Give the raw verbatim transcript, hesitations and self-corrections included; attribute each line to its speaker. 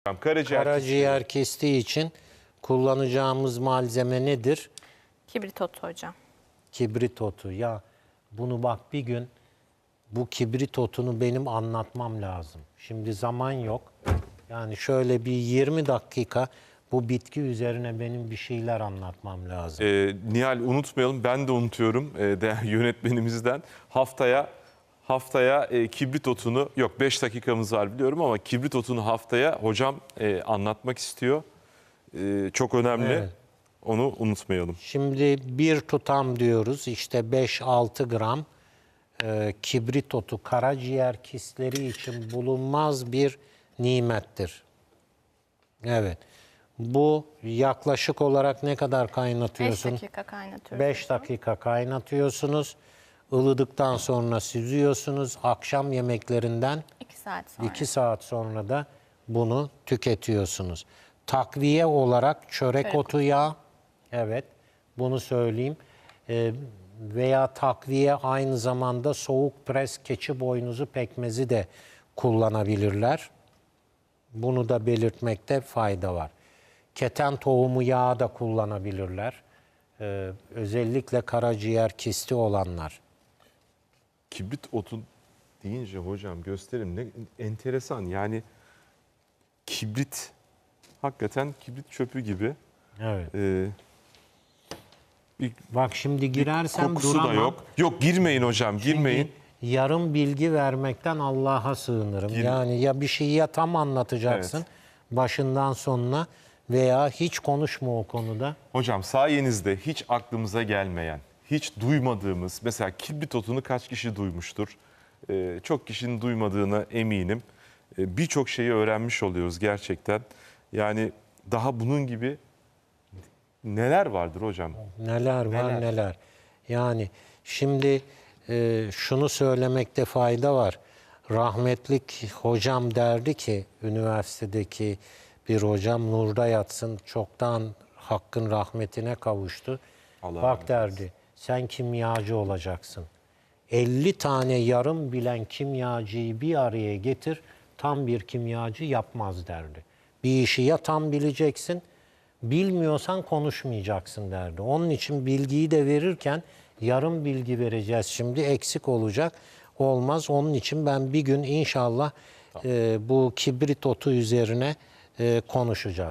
Speaker 1: Karaciğer,
Speaker 2: Karaciğer kestiği için kullanacağımız malzeme nedir?
Speaker 3: Kibrit otu hocam.
Speaker 2: Kibrit otu. Ya bunu bak bir gün bu kibrit otunu benim anlatmam lazım. Şimdi zaman yok. Yani şöyle bir yirmi dakika bu bitki üzerine benim bir şeyler anlatmam lazım.
Speaker 1: Ee, Nihal unutmayalım, ben de unutuyorum e, değerli yönetmenimizden. Haftaya haftaya e, kibrit otunu, yok beş dakikamız var biliyorum ama kibrit otunu haftaya hocam e, anlatmak istiyor. E, çok önemli.
Speaker 2: Evet.
Speaker 1: Onu unutmayalım.
Speaker 2: Şimdi bir tutam diyoruz işte beş altı gram e, kibrit otu karaciğer kistleri için bulunmaz bir nimettir. Evet. Bu yaklaşık olarak ne kadar
Speaker 3: beş
Speaker 2: kaynatıyorsun?
Speaker 3: dakika kaynatıyoruz.
Speaker 2: beş dakika kaynatıyorsunuz. Ilıdıktan sonra süzüyorsunuz. Akşam yemeklerinden
Speaker 3: iki saat sonra.
Speaker 2: iki saat sonra da bunu tüketiyorsunuz. Takviye olarak çörek
Speaker 3: Çörek
Speaker 2: otu yağı, evet bunu söyleyeyim. Ee, veya takviye aynı zamanda soğuk pres keçi boynuzu pekmezi de kullanabilirler. Bunu da belirtmekte fayda var. Keten tohumu yağı da kullanabilirler. Ee, özellikle karaciğer kisti olanlar.
Speaker 1: Kibrit otu deyince hocam gösterim ne enteresan, yani kibrit hakikaten kibrit çöpü gibi.
Speaker 2: Evet.
Speaker 1: Ee, bir
Speaker 2: Bak şimdi girersem
Speaker 1: kokusu
Speaker 2: duramam.
Speaker 1: da yok. Yok girmeyin hocam, girmeyin.
Speaker 2: Çünkü yarım bilgi vermekten Allah'a sığınırım.
Speaker 1: Gir-
Speaker 2: Yani ya bir şeyi ya tam anlatacaksın
Speaker 1: Evet.
Speaker 2: başından sonuna veya hiç konuşma o konuda.
Speaker 1: Hocam sayenizde hiç aklımıza gelmeyen, hiç duymadığımız, mesela kibrit otunu kaç kişi duymuştur? Ee, çok kişinin duymadığına eminim. Ee, Birçok şeyi öğrenmiş oluyoruz gerçekten. Yani daha bunun gibi neler vardır hocam?
Speaker 2: Neler var
Speaker 1: Neler?
Speaker 2: neler. Yani şimdi e, şunu söylemekte fayda var. Rahmetlik hocam derdi ki üniversitedeki bir hocam nurda yatsın çoktan hakkın rahmetine kavuştu.
Speaker 1: Allah
Speaker 2: Bak
Speaker 1: rahmet
Speaker 2: derdi sen kimyacı olacaksın. elli tane yarım bilen kimyacıyı bir araya getir tam bir kimyacı yapmaz derdi. Bir işi ya tam bileceksin bilmiyorsan konuşmayacaksın derdi. Onun için bilgiyi de verirken yarım bilgi vereceğiz şimdi eksik olacak olmaz. Onun için ben bir gün inşallah e, bu kibrit otu üzerine e, konuşacağız.